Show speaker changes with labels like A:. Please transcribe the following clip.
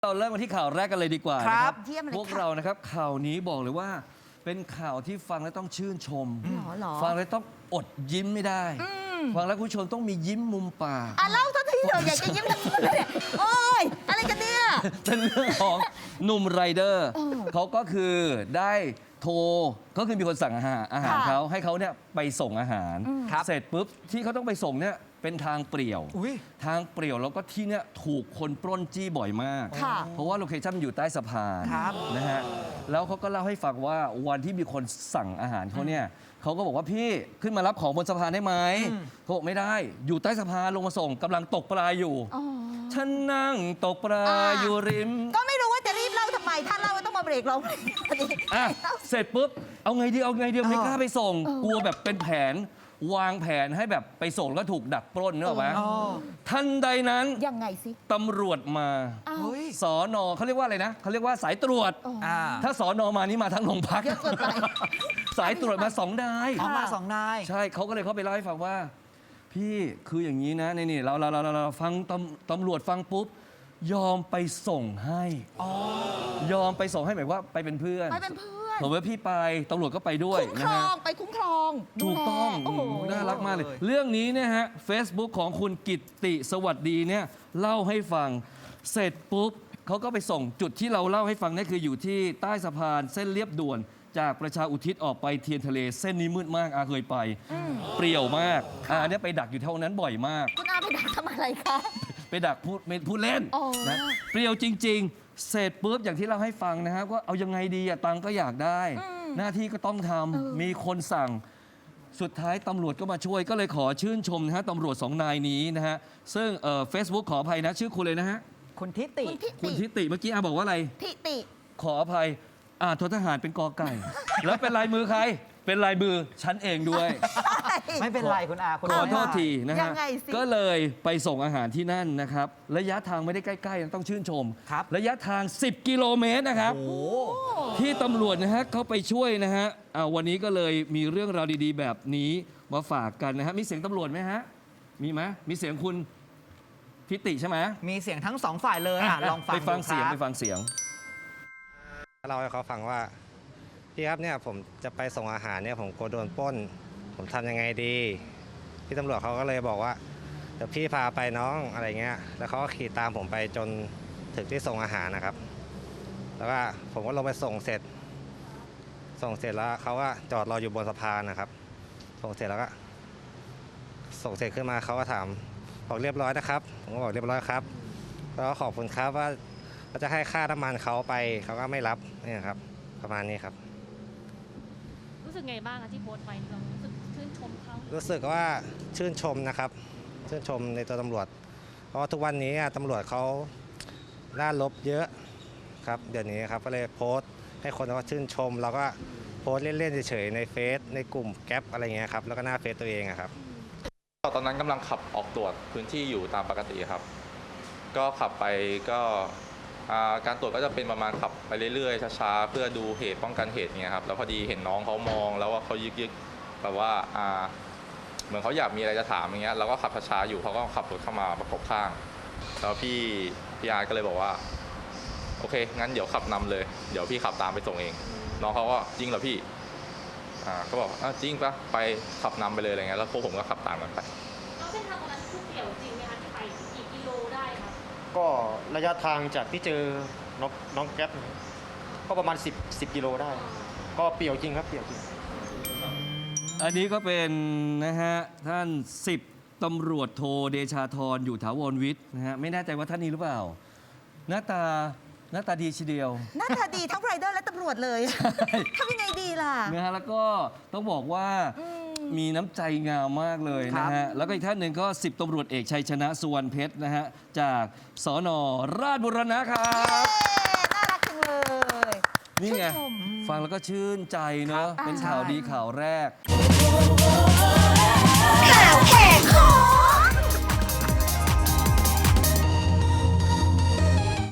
A: เราเริ่มกันที่ข่าวแรกกันเลยดีกว่า
B: ครับ
A: นะ
B: เยี่ยมเลย
A: พวก
B: ค่ะ
A: เรานะครับข่าวนี้บอกเลยว่า เป็นข่าวที่ฟังแล้วต้องชื่นชม
B: หรอ
A: ฟังแล้วต้องอดยิ้มไม่ได้ ฟังแล้วคุณผู้ชมต้องมียิ้มมุมปาก
B: เล่าสักทีเถอะอยากจะยิ้มทั้งคนเลยเนี่ยโอ้ยอะไรกันเนี่ย
A: เป็นเรื่องของหนุ่มไรเดอร์เขาก็คือได้โทรก็คือมีคนสั่งอาหาร
B: ค่ะ
A: เขาให้เขาเนี่ยไปส่งอาหาร
B: ครับ
A: เสร็จปุ๊บที่เขาต้องไปส่งเนี่ยเป็นทางเปลี่ยว
C: อุ๊ย
A: ทางเปลี่ยวแล้วก็ที่เนี่ยถูกคนปล้นจี้บ่อยมาก
B: ค่ะ
A: เพราะว่าโลเคชั่นมันอยู่ใต้สะพาน
C: ครับ
A: นะฮะแล้วเขาก็เล่าให้ฟังว่าวันที่มีคนสั่งอาหารเขาเนี่ยเขาก็บอกว่าพี่ขึ้นมารับของบนสะพานได้ไหมเขาบอกไม่ได้อยู่ใต้สะพานลงมาส่งกำลังตกปลาอยู่
B: อ๋อ
A: ฉันนั่งตกปลา
B: อ่า
A: อยู่ริม
B: ก็ไม่รู้ว่าจะรีบเล่าทำไม ถ้าเล่าก็ต้องมาเบรกเราพอดี
A: อ่ะเสร็จปุ๊บเอาไงดีเอาไงดีไม่กล้าไปส่ง กลัวแบบเป็นแผนวางแผนให้แบบไปส่งแล้วก็ถูกดักปล้นเนกอะไหม
C: อ๋อ
A: ทันใดนั้น
B: ยังไงสิ
A: ตำรวจมา
B: อ้าว
C: เฮ้ย
A: สอนอเขาเรียกว่าอะไรนะเขาเรียกว่าสายตรวจ
B: อ๋อ
C: อ่า
A: ถ้าสอนอมานี่มาทั้งโรงพัก
B: เยอะเกินไป
A: สายตรวจมาสองนาย
C: ออกมาสองนาย
A: ใช่เขาก็เลยเข้าไปเล่าให้ฟังว่า พี่คืออย่างนี้นะนี่เราฟังตำรวจฟังปุ๊บ ยอมไปส่งให้ยอมไปส่งให้หมายว่าไปเป็นเพื่อน
B: ไปเป็นเพื่อน
A: ผมว่าพี่ไปตำรวจก็ไปด้วย
B: คุ้มค
A: นะ
B: รอ
A: ฮะ
B: งไปคุ้มครองดู
A: ถูก
B: แล
A: ต้อง
B: โอ้โห
A: น่ารักมากเลย
C: เลย
A: เรื่องนี้เนี่ยฮะ Facebook ของคุณกิตติสวัสดีเนี่ยเล่าให้ฟังเสร็จปุ๊บเขาก็ไปส่งจุดที่เราเล่าให้ฟังนี่คืออยู่ที่ใต้สะพานเส้นเลียบด่วน จากประชาอุทิศออกไปเทียนทะเลเส้นนี้มืดมากอาเคยไป เปรี่ยวมากอันเนี้ยไปดักอยู่เท่านั้นบ่อยมาก
B: คุณอาไปด่าทำอะไรคะ
A: ไปดักพูดเล่น
B: อ๋อ
A: นะเปรี้ยวจริง ๆ เสร็จปุ๊บอย่างที่เราให้ฟังนะฮะว่าเอายังไงดีอะตังค์ก็อยากได้ หน้าที่ก็ต้องทำมีคนสั่งสุดท้ายตำรวจก็มาช่วยก็เลยขอชื่นชมนะฮะตำรวจสองนายนี้นะฮะซึ่งเฟซบุ๊กขออภัยนะชื่อคุณเลยนะฮะ
C: คุณทิติ
B: คุณทิ
A: คุณ
B: ติ
A: ทิติเมื่อกี้อาบอกว่าอะไร
B: ทิติ
A: ขออภัยททหารเป็นกอไก่ แล้วเป็นลายมือใคร เป็นลายมือฉันเองด้วย
C: ไม่เป็นไรคุณอาคุณ
A: ขอโทษ
C: ได้
A: ทีนะ
B: ยั
A: ฮะ
B: งไงสิ
A: ก็เลยไปส่งอาหารที่นั่นนะครับ ระยะทางไม่ได้ใกล้ๆนะต้องชื่นชม
C: ครับ
A: ระยะทาง 10 กิโลเมตรนะครับ
C: โอ้โห
A: ที่ตำรวจนะฮะเขาไปช่วยนะฮะวันนี้ก็เลยมีเรื่องราวดีๆ แบบนี้มาฝากกันนะฮะ มีเสียงตำรวจไหมฮะ มีไหมมีเสียงคุณทิติใช่ไหม
C: มีเสียงทั้งสองฝ่ายเลยลองฟัง
A: ไปฟัง
C: ดู
A: เสียง
C: ครับ
A: ไปฟังเสียง
D: เล่าให้เขาฟังว่าพี่ครับเนี่ยผมจะไปส่งอาหารเนี่ยผมกลัวโดนปล้น ผมทำยังไงดีพี่ตำรวจเขาก็เลยบอกว่าเดี๋ยวพี่พาไปน้องอะไรเงี้ยแล้วเขาก็ขี่ตามผมไปจนถึงที่ส่งอาหารนะครับ แล้วก็ผมก็ลงไปส่งเสร็จแล้วเขาก็จอดรออยู่บนสะพานนะครับ ส่งเสร็จแล้วก็ส่งเสร็จขึ้นมาเขาก็ถามบอกเรียบร้อยนะครับผมก็บอกเรียบร้อยครับแล้วก็ขอบคุณครับว่าจะให้ค่าน้ำมันเขาไปเขาก็ไม่รับเนี่ยครับประมาณนี้ครับ
E: รู้สึกไงบ้างอะที่โพสต์ไปเรารู้สึกชื่นชมเขา
D: รู้สึกว่าชื่นชมนะครับ ชื่นชมในตัวตำรวจ เพราะว่าทุกวันนี้ตำรวจเขาล่าลบเยอะครับเดี๋ยวนี้ครับก็เลยโพสต์ให้คนเขาชื่นชม แล้วก็โพสต์เล่นๆเฉยๆในเฟซในกลุ่มแก๊ปอะไรเงี้ยครับแล้วก็หน้าเฟซตัวเองอะครับ
F: ตอนนั้นกำลังขับออกตรวจพื้นที่อยู่ตามปกติครับ ก็ขับไปก็การตรวจก็จะเป็นประมาณขับไปเรื่อยๆช้าๆเพื่อดูเหตุป้องกันเหตุเนี่ยครับแล้วพอดีเห็นน้องเขามองแล้วว่าเขายึกๆแบบว่าเหมือนเขาอยากมีอะไรจะถามอย่างเงี้ยเราก็ขับช้าๆอยู่เขาก็ขับรถเข้ามาประกบข้างแล้วพี่อาร์ก็เลยบอกว่าโอเคงั้นเดี๋ยวขับนำเลยเดี๋ยวพี่ขับตามไปส่งเองน้องเขาก็จริงเหรอพี่ก็บอกจริงปะไปขับนำไปเลยอะไรเงี้ยแล้วพวกผมก็ขับตามกันไป
E: เราเส้นทางตรงนั้นคือเปลี่ยวจริงไหมคะที่ไปกี่กิโลได้คะ
G: ก็ระยะทางจากที่เจอน้องแก๊ปเนี่ยก็ประมาณ10กิโลได้ ก็เปรี่ยวจริงครับเปรี่ยวจริง
A: อันนี้ก็เป็นนะฮะท่าน10ตำรวจโทเดชาธรอยู่ถาวรวิทย์นะฮะไม่แน่ใจว่าท่านนี้หรือเปล่า หน้าตาดีทีเดียว
B: หน้าตาดีทั้งไรเดอร์และตำรวจเลยทำยังไงดีล่ะ
A: นะฮะแล้วก็ต้องบอกว่ามีน้ำใจงามมากเลยนะฮะแล้วก็อีกท่านหนึ่งก็10ตำรวจเอกชัยชนะสุวรรณเพชรนะฮะจากสนราชบุรณะครับ
B: น่ารักจังเลย
A: นี่ไง
B: ชื่นชม
A: ฟังแล้วก็ชื่นใจเนอะเป็นข่าวดีข่าวแรก
B: ข่าวแหกคอ